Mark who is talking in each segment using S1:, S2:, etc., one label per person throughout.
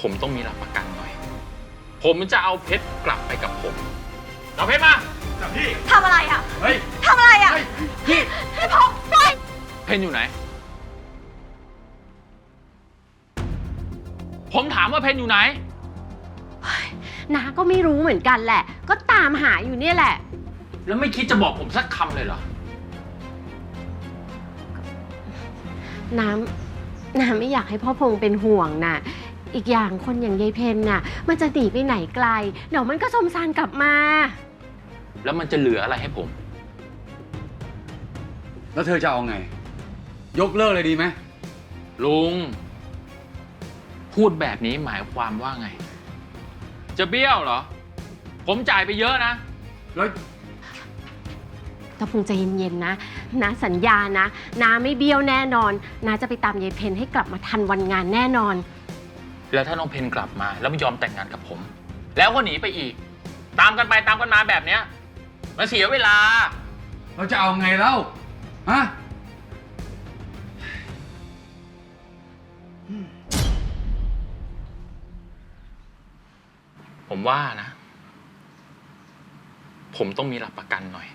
S1: ผมต้องมีหลักประกันหน่อยผมจะเอาเพชรกลับไปกับผมเอาเพชรมาจับพี่
S2: ทำอะไรอ่ะ
S1: เฮ้ย
S2: ทำอะไรอ่ะ
S1: พี่
S2: ให้พงปล่อย
S1: เพนอยู่ไหนผมถามว่าเพนอยู่ไหน
S3: น้าก็ไม่รู้เหมือนกันแหละก็ตามหาอยู่เนี่ยแหละ
S1: แล้วไม่คิดจะบอกผมสักคำเลยเหรอ
S3: น้ำไม่อยากให้พ่อพงเป็นห่วงน่ะอีกอย่างคนอย่างยายเพนน่ะมันจะหนีไปไหนไกลเดี๋ยวมันก็สมสารกลับมา
S1: แล้วมันจะเหลืออะไรให้ผม
S4: แล้วเธอจะเอาไงยกเลิกเลยดีไหม
S1: ลุงพูดแบบนี้หมายความว่าไงจะเบี้ยวเหรอผมจ่ายไปเยอะนะ
S4: แล้ว
S3: ตะพงใจเย็นๆนะน้าสัญญานะน้าไม่เบี้ยวแน่นอนน้าจะไปตามยายเพนให้กลับมาทันวันงานแน่นอน
S1: แล้วถ้าน้องเพนกลับมาแล้วไม่ยอมแต่งงานกับผมแล้วก็หนีไปอีกตามกันไปตามกันมาแบบเนี้ยมันเสียเวลา
S4: เราจะเอาไงเล่าฮะ
S1: ผมว่านะผมต้องมีหลักประกันหน่อย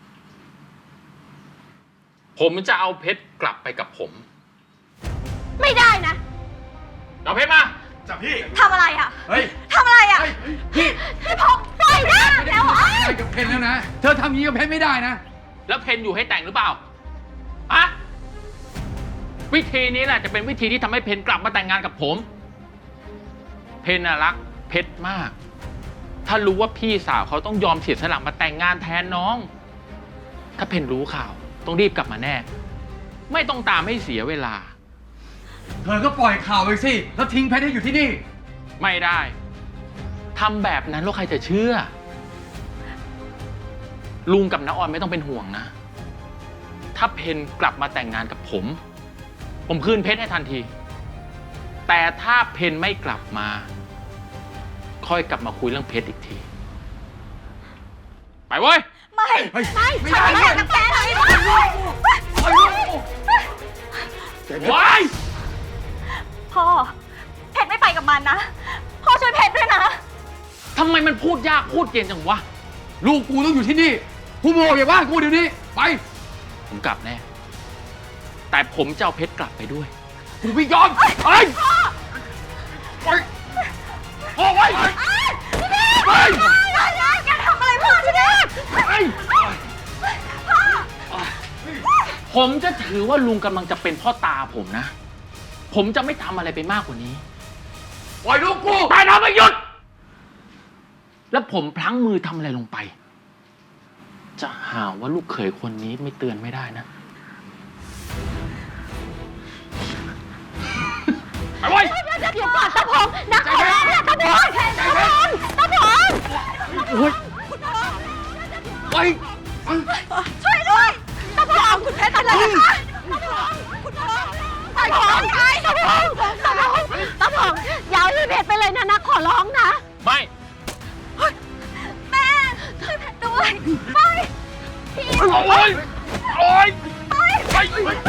S1: ผมจะเอาเพชรกลับไปกับผม
S3: ไม่ได้นะ
S1: เอาเพชรมาจับพี่
S2: ทำอะไรอ่ะ
S1: เฮ้ย
S2: ทำอะไรอ่ะ
S4: พี่
S2: ให้พงปล่อยนะเดี๋ยว
S4: อะไรกับเพนแล้วนะเธอทำอย่างนี้กับเพนไม่ได้นะ
S1: แล้วเพนอยู่ให้แต่งหรือเปล่าอะวิธีนี้แหละจะเป็นวิธีที่ทำให้เพนกลับมาแต่งงานกับผมเพนน่ะรักเพชรมากถ้ารู้ว่าพี่สาวเขาต้องยอมเสียสละมาแต่งงานแทนน้องถ้าเพนรู้ข่าวต้องรีบกลับมาแน่ไม่ต้องตามให้เสียเวลา
S4: เธอก็ปล่อยข่าวไปสิแล้วทิ้งเพชรให้อยู่ที่นี่
S1: ไม่ได้ทำแบบนั้นแล้วใครจะเชื่อลุงกับน้าออนไม่ต้องเป็นห่วงนะถ้าเพนกลับมาแต่งงานกับผมคืนเพชรให้ทันทีแต่ถ้าเพนไม่กลับมาค่อยกลับมาคุยเรื่องเพชรอีกทีไปเว้ย
S2: ไม่
S4: ได้เลย
S2: นักแกเลย
S1: ว้าย
S2: พ่อเพชรไม่ไปกับมันนะพ่อช่วยเพชรด้วยนะ
S1: ทำไมมันพูดยากพูดเย็นจังวะ
S4: ลูกกูต้องอยู่ที่นี่กูโมอย่าว่ากูเดี๋ยวนี้ไป
S1: ผมกลับแน่แต่ผมจะเอาเพชรกลับไปด้วย
S4: กูไม่ยอมไป
S2: พ่อไว้อย่าทำอะไรพ่อฉันนะ
S1: ผมจะถือว่าลุงกำลังจะเป็นพ่อตาผมนะผมจะไม่ทำอะไรไปมากกว่านี้
S4: ปล่อยลูกกู
S1: ตายนะไม่หยุดแล้วผมพลั้งมือทำอะไรลงไปจะหาว่าลูกเขยคนนี้ไม่เตือนไม่ได้นะไปไว้
S3: เดี๋ยวก่อนตะพงนักขอร้องนะตะพง
S4: ไป
S2: ช่วยด้วยตะพงคุณเพชรอะไรนะคะคุณพงตะพง
S3: ตะพงอย่าเอาเพชรไปเลยนะนักขอร้องนะ
S1: ไม่
S2: แม่ช่วยเพชรด้วยไปพี่
S1: โอ๊ย
S2: ไป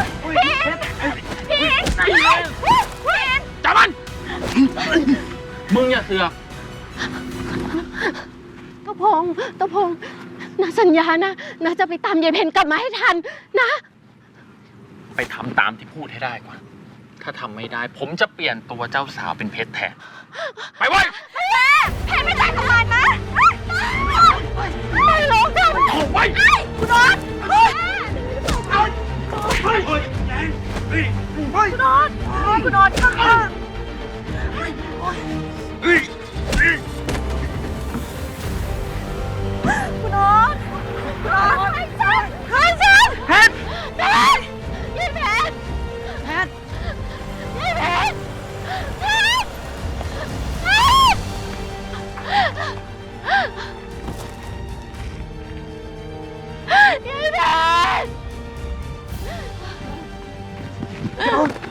S2: พี่
S1: จับมันมึงอย่าเสือก
S3: ตะพงนาสัญญานะนาจะไปตามยายเพนกลับมาให้ทันนะ
S1: ไปทำตามที่พูดให้ได้ก่อนถ้าทำไม่ได้ผมจะเปลี่ยนตัวเจ้าสาวเป็นเพชรแทนไปเว้ย
S2: เพชรไม่ได้กับมันนะ
S3: ไม่ร้องกัน
S1: โอ้ย
S2: คุณนอนคุณนอนข้างคุณนอนให้ฉัน
S1: เพชร
S3: ยี่เพชรยี่เพชร